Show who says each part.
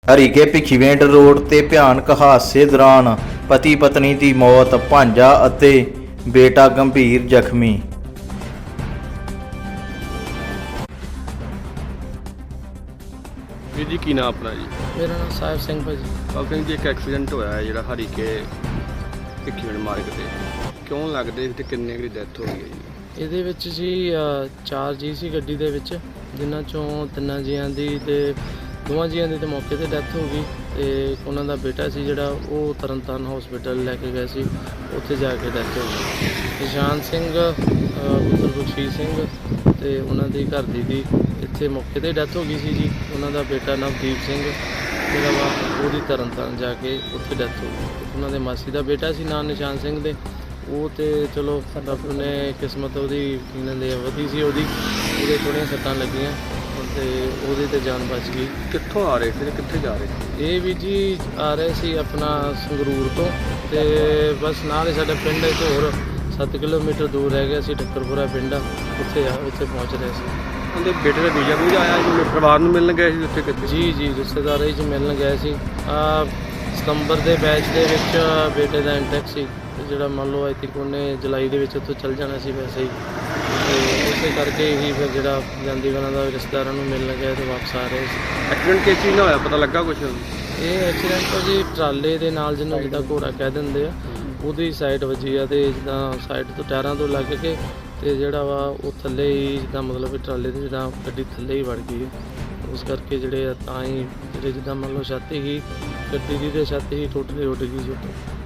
Speaker 1: Harike Bhikhiwind road ਤੇ ਭਿਆਨਕ ਹਾਦਸੇ ਦੌਰਾਨ ਪਤੀ ਪਤਨੀ ਦੀ ਮੌਤ, ਭਾਂਜਾ ਅਤੇ ਬੇਟਾ ਗੰਭੀਰ ਜ਼ਖਮੀ।
Speaker 2: ਵੀਰ ਜੀ ਕੀ ਨਾਮ ਆਪਣਾ ਜੀ?
Speaker 3: ਮੇਰਾ ਨਾਮ ਸਾਹਿਬ ਸਿੰਘ ਭਾਜੀ।
Speaker 2: ਸਾਹਿਬ ਸਿੰਘ ਜੀ, ਇੱਕ ਐਕਸੀਡੈਂਟ ਹੋਇਆ ਹੈ ਜਿਹੜਾ ਹਰੀਕੇ ਭਿੱਖੀਵਿੰਡ ਮਾਰਗ ਤੇ, ਕਿਉਂ ਲੱਗਦੇ ਤੇ ਕਿੰਨੇ ਦੀ ਡੈਥ ਹੋ ਗਈ ਹੈ ਜੀ?
Speaker 3: ਇਹਦੇ ਵਿੱਚ ਜੀ 4 ਜੀ ਸੀ ਗੱਡੀ ਦੇ ਵਿੱਚ, ਜਿਨ੍ਹਾਂ ਚੋਂ 3 ਜੀਆਂ ਦੀ ਤੇ 2 ਜੀਆਂ ਦੀ ਤੇ ਮੌਕੇ ਤੇ ਡੈਥ ਹੋ ਗਈ ਤੇ ਉਹਨਾਂ ਦਾ ਬੇਟਾ ਸੀ ਜਿਹੜਾ ਉਹ ਤਰਨਤਾਰਨ ਹਸਪੀਟਲ ਲੈ ਕੇ ਗਏ ਸੀ, ਉੱਥੇ ਜਾ ਕੇ ਡੈਥ ਹੋ ਗਈ। ਨਿਸ਼ਾਨ ਸਿੰਘ ਪੁੱਤਰ ਬਖਸ਼ੀਸ਼ ਸਿੰਘ ਤੇ ਉਹਨਾਂ ਦੀ ਘਰ ਦੀ ਇੱਥੇ ਮੌਕੇ ਤੇ ਡੈਥ ਹੋ ਗਈ ਸੀ ਜੀ। ਉਹਨਾਂ ਦਾ ਬੇਟਾ ਨਵਦੀਪ ਸਿੰਘ ਜਿਹੜਾ ਵਾ ਉਹਦੀ ਤਰਨਤਾਰਨ ਜਾ ਕੇ ਉੱਥੇ ਡੈਥ ਹੋ ਗਈ। ਉਹਨਾਂ ਦੇ ਮਾਸੀ ਦਾ ਬੇਟਾ ਸੀ ਨਾਂ ਨਿਸ਼ਾਨ ਸਿੰਘ ਦੇ, ਉਹ ਤੇ ਚਲੋ ਰੱਬ ਨੇ ਕਿਸਮਤ ਉਹਦੀ ਕਹਿੰਦੇ ਵਧੀ ਸੀ, ਉਹਦੇ ਥੋੜ੍ਹੀਆਂ ਸੱਟਾਂ ਲੱਗੀਆਂ ਤੇ ਉਹਦੀ ਤੇ ਜਾਨ ਬਚ ਗਈ।
Speaker 2: ਕਿੱਥੋਂ ਆ ਰਹੇ ਸੀ ਤੇ ਕਿੱਥੇ ਜਾ ਰਹੇ ਸੀ?
Speaker 3: ਇਹ ਵੀ ਜੀ ਆ ਰਹੇ ਸੀ ਆਪਣਾ ਸੰਗਰੂਰ ਤੋਂ ਤੇ ਬਸ ਨਾਲ ਹੀ ਸਾਡਾ ਪਿੰਡ ਹੈ ਤੇ ਹੋਰ 7 ਕਿਲੋਮੀਟਰ ਦੂਰ ਰਹਿ ਗਿਆ ਸੀ, ਠੱਕਰਪੁਰਾ ਪਿੰਡ ਆ, ਉੱਥੇ ਪਹੁੰਚ ਰਹੇ ਸੀ।
Speaker 2: ਉਹਦੇ ਬੇਟੇ ਦਾ ਵੀਜ਼ਾ ਵੀ ਆਇਆ ਜੀ, ਪਰਿਵਾਰ ਨੂੰ ਮਿਲਣ ਗਏ ਸੀ ਉੱਥੇ ਕਿਤੇ?
Speaker 3: ਜੀ ਰਿਸ਼ਤੇਦਾਰਾਂ 'ਚ ਮਿਲਣ ਗਏ ਸੀ। ਸਤੰਬਰ ਦੇ ਬੈਚ ਦੇ ਵਿੱਚ ਬੇਟੇ ਦਾ ਇੰਟੈਕ ਸੀ, ਜਿਹੜਾ ਮੰਨ ਲਓ ਆਈ ਥਿੰਕ ਉਹਨੇ ਜੁਲਾਈ ਦੇ ਵਿੱਚ ਉੱਥੋਂ ਚੱਲ ਜਾਣਾ ਸੀ ਵੈਸੇ ਹੀ, ਤੇ ਉਸੇ ਕਰਕੇ ਹੀ ਫਿਰ ਜਿਹੜਾ ਜਾਂਦੀ ਵਾਲਾ ਦਾ ਰਿਸ਼ਤੇਦਾਰਾਂ ਨੂੰ ਮਿਲਣ ਗਏ ਤੇ ਵਾਪਸ ਆ ਰਹੇ ਸੀ।
Speaker 2: ਐਕਸੀਡੈਂਟ ਕਿਸ ਚੀਜ਼ ਨਾਲ ਹੋਇਆ, ਪਤਾ ਲੱਗਾ ਕੁਛ?
Speaker 3: ਇਹ ਐਕਸੀਡੈਂਟ ਤਾਂ ਜੀ ਟਰਾਲੇ ਦੇ ਨਾਲ, ਜਿਹਨੂੰ ਜਿੱਦਾਂ ਘੋੜਾ ਕਹਿ ਦਿੰਦੇ ਆ, ਉਹਦੀ ਸਾਈਡ ਵੱਜੀ ਆ ਤੇ ਜਿੱਦਾਂ ਸਾਈਡ ਤੋਂ ਟਾਇਰਾਂ ਤੋਂ ਲੱਗ ਕੇ ਤੇ ਜਿਹੜਾ ਵਾ ਉਹ ਥੱਲੇ ਹੀ ਜਿੱਦਾਂ ਮਤਲਬ ਵੀ ਟਰਾਲੇ ਦੇ ਜਿੱਦਾਂ ਗੱਡੀ ਥੱਲੇ ਹੀ ਵੜ ਗਈ ਹੈ। ਉਸ ਕਰਕੇ ਜਿਹੜੇ ਤਾਂ ਹੀ ਜਿਹੜੇ ਜਿੱਦਾਂ ਮੰਨ ਲਓ ਛੱਤ ਹੀ ਗੱਡੀ ਦੀ ਤੇ ਛੱਤ ਹੀ ਟੁੱਟ ਗਈ ਸੀ ਉੱਤੋਂ।